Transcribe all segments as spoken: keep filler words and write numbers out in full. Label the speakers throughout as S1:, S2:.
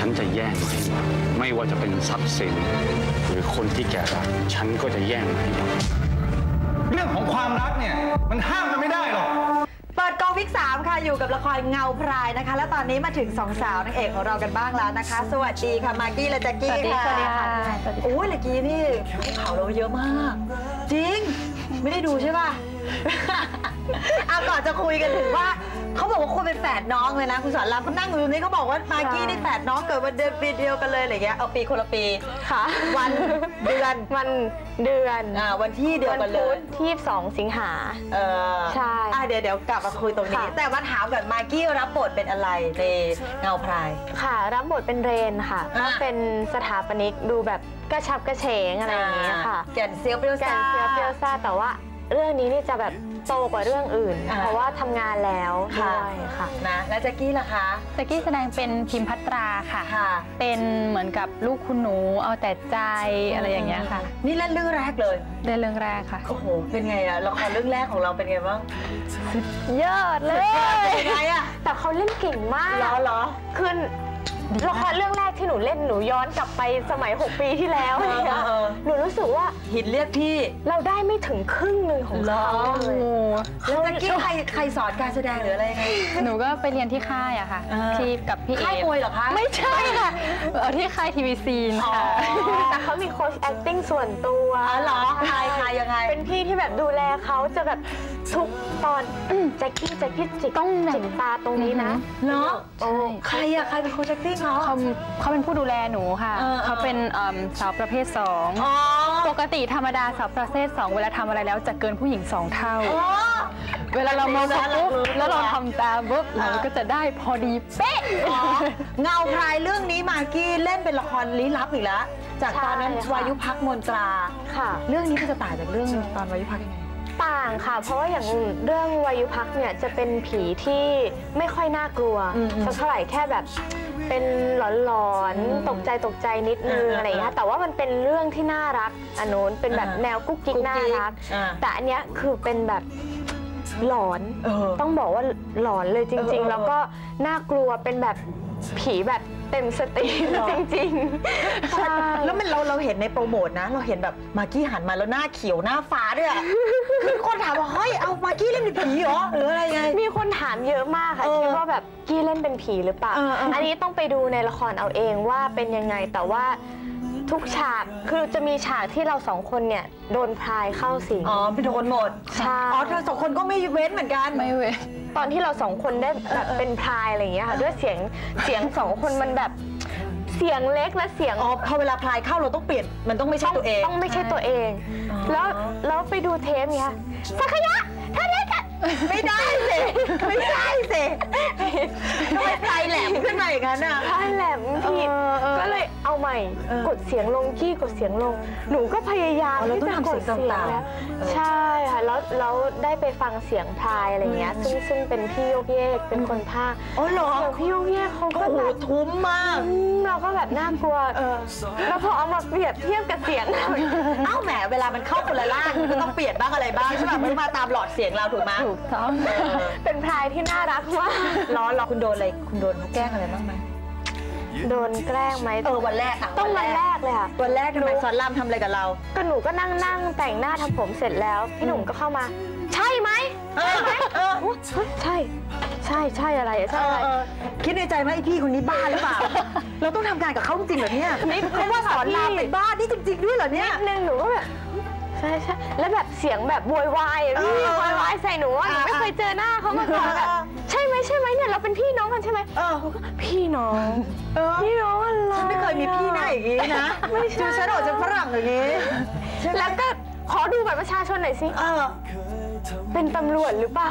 S1: ฉันจะแย่งมาให้หมดไม่ว่าจะเป็นทรัพย์สินหรือคนที่แกรักฉันก็จะแย่งมาให้หมด
S2: เรื่องของความรักเนี่ยมันห้ามกันไม่ได้หรอก
S3: เปิดกองวิกสามค่ะอยู่กับละครเงาพรายนะคะและตอนนี้มาถึงสองสาวนางเอกของเรากันบ้างแล้วนะคะสวัสดีค่ะมากกี้และแจ็คกี้ค่ะสวัสดีค่ะโอ้ยเมื่อกี้นี่ข่าวเราเยอะมากจริงไม่ได้ดูใช่ป่ะเอาก่อนจะคุยกันถึงว่าเขาบอกว่าคุณเป็นแฝดน้องเลยนะคุณสอนรามเขานั่งอยู่ตรงนี้เขาบอกว่ามากกี้นี่แฝดน้องเกิดวันเดือนปีเดียวกันเลยอะไรเงี้ยเอาปีคนละปี
S4: ค่ะ
S3: วันเดือน
S4: วันเดือน
S3: อ่าวันที่เดียวกันเลย
S4: ที่ยี่สิบสองสิงหา
S3: เออ
S4: ใช่
S3: อ่ะเดี๋ยวเดี๋ยวกลับมาคุยตรงนี้แต่มาถามก่อนมากกี้รับบทเป็นอะไรในเงาพราย
S4: ค่ะรับบทเป็นเรนค่ะก็เป็นสถาปนิกดูแบบกระชับกระเฉงอะไรอย่างเงี้ยค่ะ
S3: แก่นเซียวเปรี้ยวซ่า
S4: แก่นเซียวเปรี้ยวซ่าแต่ว่าเรื่องนี้นี่จะแบบโตกว่าเรื่องอื่นเพราะว่าทำงานแล้วด้วยค่ะ
S3: นะแล้วแจ็คกี้ล่ะคะ
S5: แจ็คกี้แสดงเป็นพิมพัตราค่ะเป็นเหมือนกับลูกคุณหนูเอาแต่ใจอะไรอย่างเงี้ยค่ะ
S3: นี่เล่นเรื่องแรกเลย
S5: เล่นเรื่องแรกค่ะ
S3: โอ้โหเป็นไงอะละครเรื่องแรกของเราเป็นไงบ้าง
S4: เยอะเลย
S3: เป็นไงอะ
S4: แต่เขาเล่นเก่งมาก
S3: เหรอเหรอ
S4: คือละครเรื่องแรกที่หนูเล่นหนูย้อนกลับไปสมัยหกปีที่แล้วหนูรู้สึกว่า
S3: หินเรียกพี่
S4: เราได้ไม่ถึงครึ่งหนึ่งของเขาเลย
S3: แล้วเมื่อกี้ใครใครสอนการแสดงหรืออะไรไง
S5: หนูก็ไปเรียนที่ค่ายอะค่ะที่กับพี่เอ
S3: ค่ายมวยเหรอคะ
S4: ไม่ใช่ค่ะ
S5: ที่ค่ายทีวีซีนค่ะ
S4: แต่เขามีโค้ช acting ส่วนตัว
S3: เหรอใครใครยังไง
S4: เป็นพี่ที่แบบดูแลเขาจะแบบทุกตอนแจ็คกี้แจ็คกี้จิกต้องจิกตาตรงนี้นะ
S3: เนาะใครอะใครเป็นโค้ช acting เขา
S5: เขาเขาเป็นผู้ดูแลหนูค่ะเขาเป็นสาวประเภทสองปกติธรรมดาสาวประเภทสองเวลาทำอะไรแล้วจะเกินผู้หญิงสองเท่าเวลาเรามองปุ๊บแล้วเราทำตามปุ๊บเราก็จะได้พอดีเป๊ะ
S3: เงาพรายเรื่องนี้มากกี้เล่นเป็นละครลี้ลับอีกแล้วจากตอนนั้นวายุพักมนตรา
S4: ค่ะ
S3: เรื่องนี้มันจะต่างจากเรื่องตอนวายุพักยังไง
S4: ต่างค่ะเพราะว่าอย่างเรื่องวายุพักเนี่ยจะเป็นผีที่ไม่ค่อยน่ากลัวสักเท่าไหร่แค่แบบเป็นหลอนๆตกใจตกใจนิดนึงอะไรอย่างเงี้ยแต่ว่ามันเป็นเรื่องที่น่ารักอันโน้นเป็นแบบแนวกุ๊กกิ๊กน่ารักแต่อันเนี้ยคือเป็นแบบหลอนต้องบอกว่าหลอนเลยจริงๆแล้วก็น่ากลัวเป็นแบบผีแบบเต็มสติจริงๆใช่
S3: แล้วมันเราเราเห็นในโปรโมทนะเราเห็นแบบมากกี้หันมาแล้วหน้าเขียวหน้าฟ้าด้วยอ่ะคือคนถามว่าเฮ้ยเอามากกี้เล่นเป็นผีเหรอหรืออะไรไง
S4: มีคนถามเยอะมากค่ะคิดว่าแบบกี้เล่นเป็นผีหรือเปล่าอันนี้ต้องไปดูในละครเอาเองว่าเป็นยังไงแต่ว่าทุกฉากคือจะมีฉากที่เราสองคนเนี่ยโดนพรายเข้าสิง
S3: อ๋อไปโดนหมด
S4: ใช่
S3: อ๋อเธอสองคนก็ไม่เว้นเหมือนกัน
S5: ไม่เว้น
S4: ตอนที่เราสองคนได้แบบเป็นพรายอะไรอย่างเงี้ยค่ะด้วยเสียงเสียงสองคนมันแบบเสียงเล็กและเสียง
S3: อ๋อพอเวลาพรายเข้าเราต้องเปลี่ยนมันต้องไม่ใช่ตัวเอง
S4: ต้องไม่ใช่ตัวเองแล้วแล้วไปดูเทปเนี้ยสักยะเธอเล็กอะ
S3: ไม่ได้สิไม่ได้สิทำไมพรายแหลมขึ้นมาอย่างนั้นอ่ะ
S4: พรายแหลมผิดก็เลยเอาใหม่กดเสียงลงกี้กดเสียงลงหนูก็พยายามที่จะกดเสียงแล้วใช่ค่ะแล้วแล้วได้ไปฟังเสียงพรายอะไรเงี้ยซึ่งซึ่งเป็นพี่โยกเยกเป็นคนพากย์
S3: อ๋อเหรอ
S4: เสียงพี่โยกเยกเขาก็
S3: แบบทุ้มมาก
S4: เราก็แบบน่ากลัวแล้วพอเอามาเปรียบเทียบกับเสียง
S3: เอ้าแหมเวลามันเข้าคนละล่างก็ต้องเปลี่ยนบ้างอะไรบ้างใช่ป่ะมันมาตามหลอดเสียงเราถูกไหม
S4: ถูกต้องเป็นพรายที่น่ารักมาก
S3: ล้อเราคุณโดนอะไรคุณโดนเขาแกล้งอะไรบ้างไหม
S4: โดนแกล้งไหม
S3: เออวันแรกค่ะ
S4: ต้องวันแรกเลยค่ะ
S3: วันแรกทำไมสอนรามทำอะไรกับเรา
S4: ก็หนูก็นั่งนั่งแต่งหน้าทำผมเสร็จแล้วพี่หนุ่มก็เข้ามาใช่ไหมใช่ไหมใช่ใช่ใช่อะไรใช่อะไร
S3: คิดในใจไหมไอพี่คนนี้บ้าหรือเปล่าเราต้องทำงานกับเขาจริงเหรอเนี่ยเพราะว่าสอนรามเป็นบ้านี่จริงๆด้วยเหรอเนี่ย
S4: นิดนึงหนูก็แบบใช่ใช่แล้วแบบเสียงแบบโวยวายพี่โวยวายใส่หนูว่าหนูไม่เคยเจอหน้าเขามาก่อนแบบใช่ไหมใช่ไหมเนี่ยเราเป็นพี่น้องกันใช่ไหมเออพี่น้องพี่น้องอะไร
S3: ฉันไม่เคยมีพี่หน้าอย่างนี้นะไม่ใช่ฉันออกจากฝรั่งอย่างนี้
S4: แล้วก็ขอดูบัตรประชาชนหน่อยสิเออเป็นตำรวจหรือเปล่า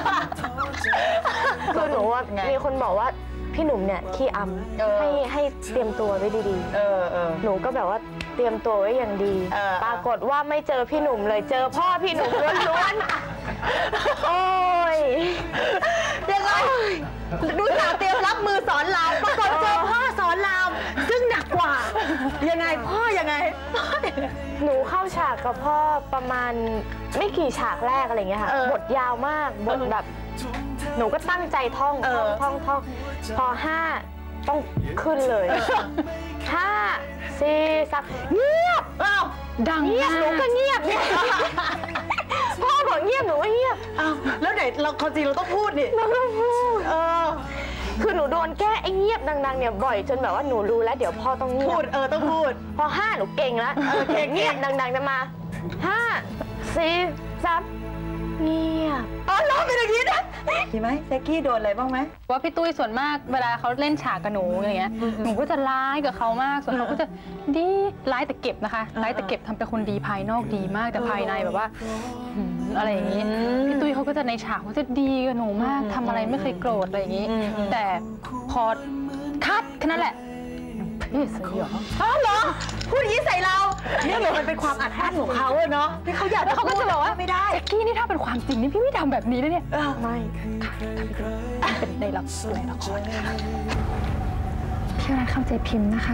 S4: คือหนูว่ามีคนบอกว่าพี่หนุ่มเนี่ยขี้อำให้ให้เตรียมตัวไว้ดีๆหนูก็แบบว่าเตรียมตัวไว้อย่างดีปรากฏว่าไม่เจอพี่หนุ่มเลยเจอพ่อพี่หนุ่มล้วนๆโอ้ย
S3: ยังไงดูสาวเตรียมรับมือสอนรามปรากฏเจอพ่อสอนรามซึ่งหนักกว่ายังไงพ่อยังไง
S4: หนูเข้าฉากกับพ่อประมาณไม่กี่ฉากแรกอะไรเงี้ยค่ะบทยาวมากบทแบบหนูก็ตั้งใจท่องท่องท่องท่องพอห้าต้องขึ้นเลยห้าสี่สามเงียบ
S3: อ้าว
S5: ดัง
S4: เงียบ
S5: มา
S4: หนูก็
S5: ก
S4: เงียบเนี่ยพ่อบอกเงียบหนูก็เงียบ
S3: อ้าวแล้วไหนเราความจริงเราต้องพูดนี่
S4: เราต้องพูด
S3: เออ
S4: คือหนูโดนแก้ไอ้เงียบดังๆเนี่ยบ่อยจนแบบว่าหนูรู้แล้วเดี๋ยวพ่อต้องเงีย
S3: พู
S4: บ
S3: ดเออต้องพูด
S4: พอห้าหนูเก่งแล้ว
S3: เออเก่ง
S4: เงียบดังๆจะมาห้าสี่สามเงียบ
S3: อ๋อร้องเป็นอย่างนี้นะมีไหมแจ็คกี้โดนอะไรบ้างไหม
S5: ว่าพี่ตุ้ยส่วนมากเวลาเขาเล่นฉากกับหนูอย่างเงี้ยหนูก็จะร้ายกับเขามากส่วนเขาก็จะดีร้ายแต่เก็บนะคะร้ายแต่เก็บทำเป็นคนดีภายนอกดีมากแต่ภายในแบบว่าหืมอะไรอย่างงี้พี่ตุ้ยเขาก็จะในฉากเขาจะดีกับหนูมากทำอะไรไม่เคยโกรธอะไรอย่างงี้ แต่พอคัดแค่นั้นแหละพี่สยอง
S3: อ้าวเหรอพูดอย่างนี้ใส่เราเนี่ยมันเป็นความอัดอั้นของเขาอะเนาะที่เขาอยาก
S5: แล้วเขาก็จะบอกว่า
S3: ไม่ได้
S5: แจ็คกี้นี่ถ้าเป็นความจริงนี่พี่ไม่ทำแบบนี้นะเนี่ย
S3: เออ
S4: ไม่
S5: เป็นในละในละครค่ะพี่รักเข้าใจพิมพ์นะคะ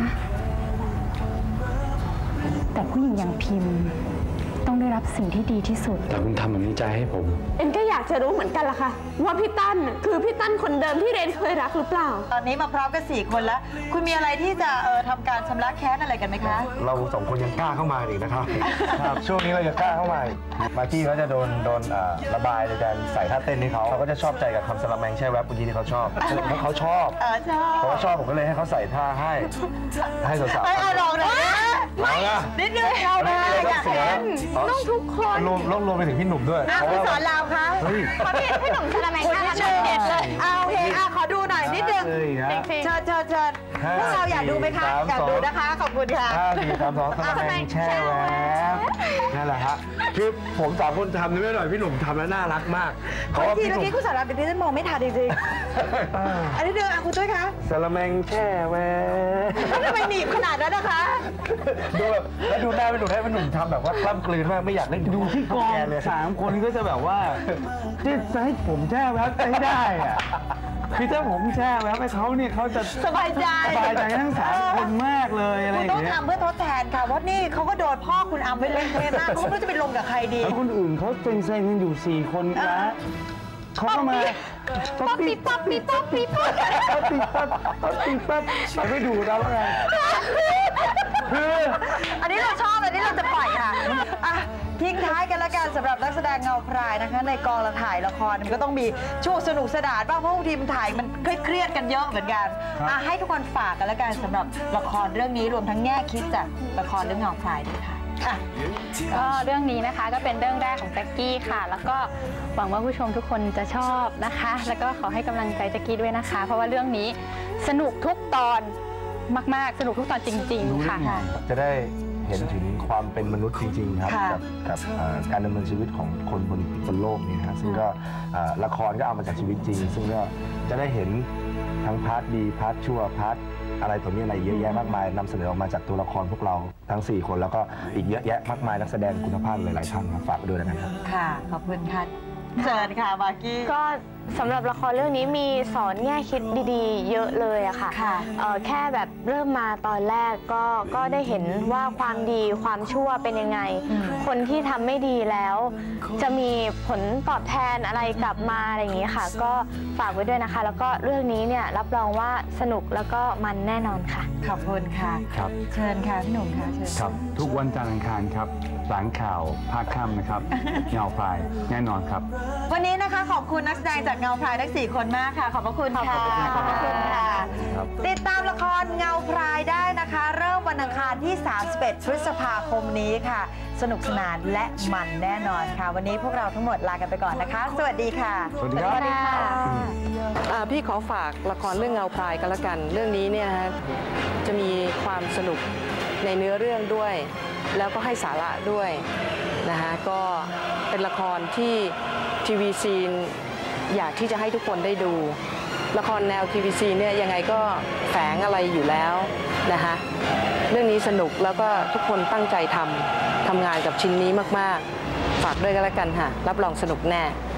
S5: แต่ผู้หญิงอย่างพิมพ์ต้องได้รับสิ่งที่ดีที่สุด
S1: แต่คุณทำแบบนี้ใจให้ผม
S4: เอ็นก็อยากจะรู้เหมือนกันล่ะค่ะว่าพี่ตั้นคือพี่ตั้นคนเดิมที่เรนเคยรักหรือเปล่า
S3: ตอนนี้มาพร้อมกันสี่คนแล้ว คุณมีอะไรที่จะเออทำการชำระแค้นอะไรกันไหมคะ
S6: เราสองคนยังกล้าเข้ามาอีกนะครับ ครับช่วงนี้เรายังกล้าเข้ามาอีกมากกี้เขาจะโดนโดนอ่าระบายในการใส่ท่าเต้นให้เขาเขาก็จะชอบใจกับคำสลัมแมงแช่แวบเมื่อกี้ที่เขาชอบเพราะเขาชอบ
S3: เออชอบ
S6: เพราะเขาชอบผมก็เลยให้เขาใส่ท่าให้ให้สาวๆ
S3: เอ้ยเอาลองหน่อยนะ
S6: เอาละ
S3: นิดนึงเราได้อยากเห็น
S6: ต้องทุกคนรวมรวมรวมไปถึงพี่หนุ่มด้วย
S3: อ่ะคุณสอนรามคะ
S6: เฮ้ย
S4: ขอพี่พี่หนุ่มชลแมง
S3: คุณ
S4: น่า
S3: นิ
S4: รั
S3: ด
S4: ก
S3: นึง
S4: เด็ดเลย
S3: เอาโอเคอ่ะขอดูหน่อยนิดนึง
S6: เลยฮะ
S3: เชิญเชิญเชิญพวกเราอยากดูไหมคะ
S6: สาม
S3: อยาก
S6: สอง
S3: ดูนะคะ ขอบคุณค่ะ
S6: ห้าสี่สามสองสลัมแมงแช่แวบนั่นแหละฮะคือผมสามคนทำไม่หน่อยพี่หนุ่มทำแล้วน่ารักมากเพ
S3: ขอ
S6: ราะว่า
S3: อีกที
S6: พี่ห
S3: เมื่อ
S6: นุ่ม
S3: กี้คุณสอนรามเป็นที่ฉันมองไม่ทันจริงๆอันนี้เดินอ่ะคุณตุ้ยคะ
S6: สลัมแมงแช่แวบ
S3: แล้วทำไมหนีบขนาดนั้นนะคะ
S6: ดูแบบแล้วดูหน้าเป็นหนุ่มให้เป็นหนุ่มทำแบบว่ากล้ำกลืนมากไม่อยากเล่น
S2: ดูที่กอง
S6: แเลย
S2: สามคนก็จะแบบว่าที่จะให้ผมแช่แวบให้ได้อะคือถ้าผมแช่แวบให้เขาเนี่ยเขาจะ
S3: สบายใจ
S2: สบายใจทั้งสามคนมากเลยอะไร
S3: คุ
S2: อ
S3: ณ
S2: ย่า
S3: ต้อง
S2: งเงี้ย
S3: ทำเพื่อทดแทนค่ะเพราะนี่เขาก็โดนพ่อคุณอัมไปเล่นเทมากเขาไม่รู้จะไปลงกับใครดี
S2: แล้วคนอื่นเขาเซ็งเซ็งๆกันอยู่สี่คนนะเขาก็มาป๊อปปี้ป๊อปปี้ป๊อปปี้ป๊อปปี้ป๊อปป๊อปปี้ป๊อปไปไม่ดูแล้วไงคือ
S3: อันนี้เราชอบอันนี้เราจะปล่อยค่ะอ่ะทิ้งท้ายกันละกันสำหรับนักแสดงเงาพรายนะคะ ในกองละถ่ายละครมันก็ต้องมีช่วงสนุกสนานบ้างเพราะบางทีมันถ่ายมันเครียดๆกันเยอะเหมือนกันอ่ะให้ทุกคนฝากกันละกันสำหรับละครเรื่องนี้รวมทั้งแง่คิดจากละครเรื่องเงาพรายด้วยค่ะอ่ะ
S5: ก็เรื่องนี้นะคะก็เป็นเรื่องแรกของแจ็คกี้ค่ะ แล้วก็หวังว่าผู้ชมทุกคนจะชอบนะคะ แล้วก็ขอให้กำลังใจแจ็คกี้ด้วยนะคะ เพราะว่าเรื่องนี้สนุกทุกตอนมากๆ สนุกทุกตอนจริง ๆ ค่ะ
S6: จะได้เห็นถึงความเป็นมนุษย์จริงๆครับ
S3: ค่ะ
S6: กับกับเอ่อการดำเนินชีวิตของคนบนบนโลกนี้นะฮะซึ่งก็เอ่อละครก็เอามาจากชีวิตจริง ซึ่งก็จะได้เห็นทั้งพาร์ทดีพาร์ทชั่วพาร์ทอะไรตัวนี้อะไรเยอะแยะมากมายนำเสนอออกมาจากตัวละครพวกเราทั้งสี่คนแล้วก็อีกเยอะแยะมากมายนักแสดงคุณภาพหลายๆท่านครับฝากไปด้วยนะครับ
S3: ค่ะ ขอบคุณค่ะเชิญค่ะมากกี้
S4: ก็สำหรับละครเรื่องนี้มีสอนแง่คิดดีๆ เยอะเลยอะค่ะ
S3: ค่ะ
S4: เอ่อแค่แบบเริ่มมาตอนแรกก็ก็ได้เห็นว่าความดีความชั่วเป็นยังไง คนที่ทำไม่ดีแล้ว จะมีผลตอบแทนอะไรกลับมาอะไรอย่างนี้ค่ะ ก็ฝากไว้ด้วยนะคะ แล้วก็เรื่องนี้เนี่ยรับรองว่าสนุกแล้วก็มันแน่นอนค่ะ
S3: ขอบคุณค่ะ
S1: ครับ
S3: เชิญค่ะพี่หนุ่มค่ะเชิญ
S1: ครับ ทุกวันจันทร์อังคารครับหลังข่าวภาคค่ำนะครับ เงาพรายแน่นอนครับ
S3: วันนี้นะคะขอบคุณนักแสดงจากเงาพรายทั้งสี่คนมากค่ะ ขอบพระคุณค่ะ ขอบพระคุณค่ะ
S6: ครับ
S3: ติดตามละครเงาพรายได้นะคะ เริ่มวันอังคารที่ สามสิบเอ็ด พฤษภาคมนี้ค่ะ สนุกสนานและมันแน่นอนค่ะ วันนี้พวกเราทั้งหมดลากันไปก่อนนะคะ สวัสดีค่ะ
S6: สวัสดีครับ
S7: อ่าพี่ขอฝากละครเรื่องเงาพรายกันละกัน เรื่องนี้เนี่ยนะฮะจะมีความสนุกในเนื้อเรื่องด้วย แล้วก็ให้สาระด้วยนะฮะก็เป็นละครที่ทีวีซีนอยากที่จะให้ทุกคนได้ดู ละครแนวทีวีซีเนี่ยยังไงก็แฝงอะไรอยู่แล้วนะฮะเรื่องนี้สนุกแล้วก็ทุกคนตั้งใจทำทำงานกับชิ้นนี้มากๆ ฝากด้วยกันละกันค่ะรับรองสนุกแน่